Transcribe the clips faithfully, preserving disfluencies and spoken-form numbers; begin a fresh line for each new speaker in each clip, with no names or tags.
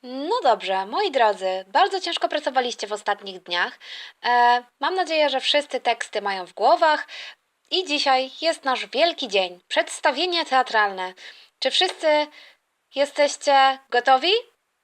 No dobrze, moi drodzy, bardzo ciężko pracowaliście w ostatnich dniach. E, mam nadzieję, że wszyscy teksty mają w głowach i dzisiaj jest nasz wielki dzień, przedstawienie teatralne. Czy wszyscy jesteście gotowi?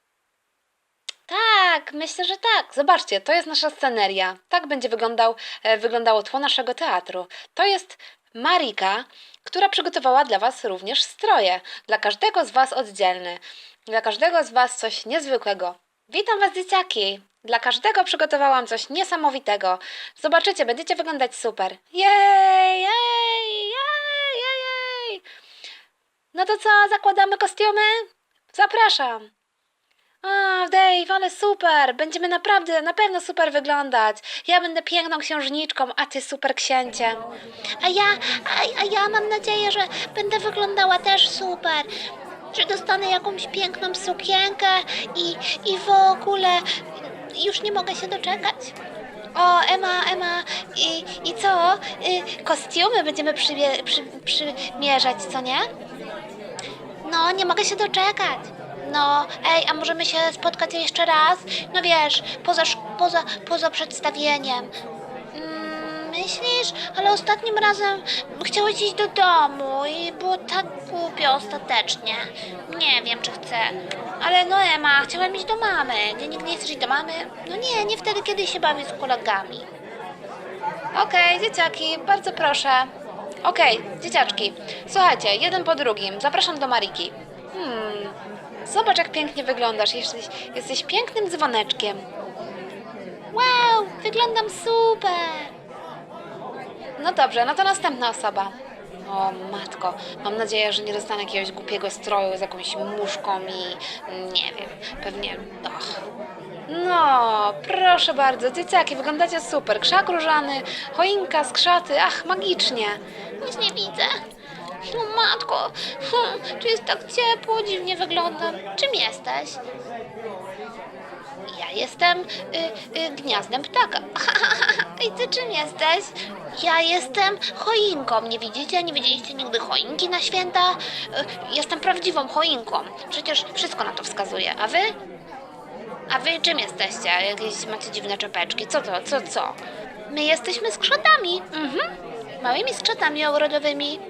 Tak, myślę, że tak. Zobaczcie, to jest nasza sceneria. Tak będzie wyglądał, e, wyglądało tło naszego teatru. To jest Marika, która przygotowała dla Was również stroje. Dla każdego z Was oddzielny. Dla każdego z Was coś niezwykłego. Witam Was, dzieciaki! Dla każdego przygotowałam coś niesamowitego. Zobaczycie, będziecie wyglądać super. Jej, jej, jej, jej, jej. No to co, zakładamy kostiumy? Zapraszam. O, Dave, ale super! Będziemy naprawdę, na pewno super wyglądać. Ja będę piękną księżniczką, a ty super księciem. A ja, a, a ja mam nadzieję, że będę wyglądała też super. Że dostanę jakąś piękną sukienkę i, i w ogóle już nie mogę się doczekać. O, Ema, Ema, i, i co? Y, kostiumy będziemy przymie- przy, przymierzać, co nie? No, nie mogę się doczekać. No, ej, a możemy się spotkać jeszcze raz? No wiesz, poza, sz- poza, poza przedstawieniem. Mm, myślisz? Ale ostatnim razem chciałeś iść do domu i było tak głupio ostatecznie. Nie wiem, czy chcę. Ale no Ema, chciałem iść do mamy. Nie, nigdy nie chcesz iść do mamy? No nie, nie wtedy, kiedy się bawię z kolegami. Okej, dzieciaki, bardzo proszę. Okej, dzieciaczki, słuchajcie, jeden po drugim. Zapraszam do Mariki. Hmm, zobacz, jak pięknie wyglądasz. Jesteś, jesteś pięknym dzwoneczkiem. Wow, wyglądam super. No dobrze, no to następna osoba. O matko, mam nadzieję, że nie dostanę jakiegoś głupiego stroju z jakąś muszką i nie wiem, pewnie... Och. No, proszę bardzo, dzieciaki, wyglądacie super. Krzak różany, choinka, skrzaty, ach, magicznie. Nic nie widzę. O matko, hmm, tu jest tak ciepło, dziwnie wyglądam. Czym jesteś? Ja jestem y, y, gniazdem ptaka. I ty czym jesteś? Ja jestem choinką. Nie widzicie? Nie widzieliście nigdy choinki na święta? Y, jestem prawdziwą choinką. Przecież wszystko na to wskazuje. A wy? A wy czym jesteście? Jakieś macie dziwne czepeczki? Co to? Co, co? My jesteśmy skrzatami. Mhm. Małymi skrzatami ogrodowymi.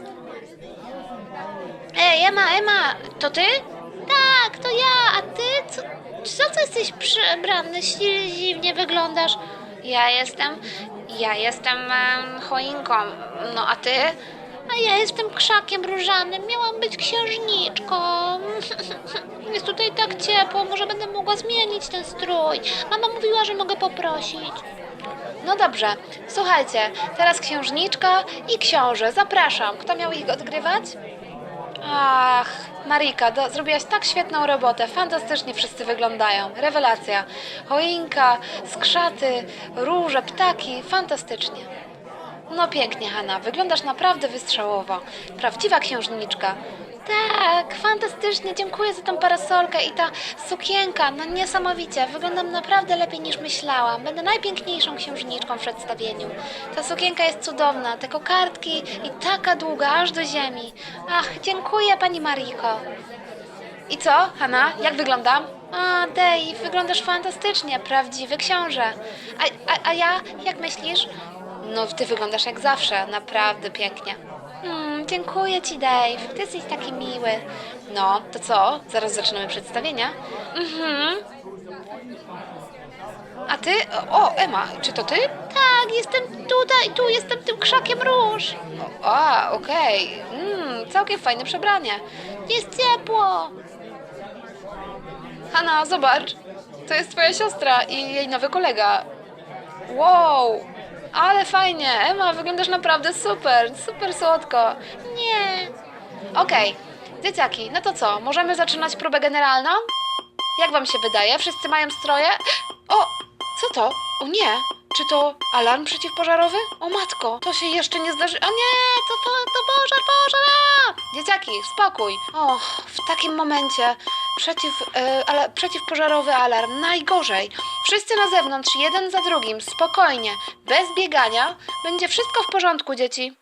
Ej, Ema, Ema, to ty? Tak, to ja, a ty? Co, co, co jesteś przebrany? Dziwnie wyglądasz. Ja jestem, ja jestem em, choinką, no a ty? A ja jestem krzakiem różanym, miałam być księżniczką. Jest tutaj tak ciepło, może będę mogła zmienić ten strój. Mama mówiła, że mogę poprosić. No dobrze, słuchajcie, teraz księżniczka i książę, zapraszam. Kto miał ich odgrywać? Ach, Marika, do, zrobiłaś tak świetną robotę. Fantastycznie wszyscy wyglądają. Rewelacja. Choinka, skrzaty, róże, ptaki. Fantastycznie. No pięknie, Hanna. Wyglądasz naprawdę wystrzałowo. Prawdziwa księżniczka. Tak, fantastycznie. Dziękuję za tą parasolkę i ta sukienka. No niesamowicie. Wyglądam naprawdę lepiej niż myślałam. Będę najpiękniejszą księżniczką w przedstawieniu. Ta sukienka jest cudowna. Te kokardki i taka długa, aż do ziemi. Ach, dziękuję, pani Mariko. I co, Hanna? Jak wyglądam? A, Dave, wyglądasz fantastycznie. Prawdziwy książę. A, a, a ja? Jak myślisz? No, ty wyglądasz jak zawsze. Naprawdę pięknie. Mm, dziękuję ci, Dave. Ty jesteś taki miły. No, to co? Zaraz zaczynamy przedstawienia. Mhm. A ty? O, Ema, czy to ty? Tak, jestem tutaj, tu jestem tym krzakiem róż. O, a, okej. Mm, całkiem fajne przebranie. Jest ciepło. Hanna, zobacz. To jest twoja siostra i jej nowy kolega. Wow, ale fajnie. Ema, wyglądasz naprawdę super, super słodko. Nie. Okej, dzieciaki, no to co? Możemy zaczynać próbę generalną? Jak wam się wydaje? Wszyscy mają stroje? O, co to? O nie, czy to alarm przeciwpożarowy? O matko, to się jeszcze nie zdarzy. O nie, to, to, to pożar, pożar! Dzieciaki, spokój. Och, w takim momencie przeciw, e, ale, przeciwpożarowy alarm, najgorzej. Wszyscy na zewnątrz, jeden za drugim, spokojnie, bez biegania. Będzie wszystko w porządku, dzieci.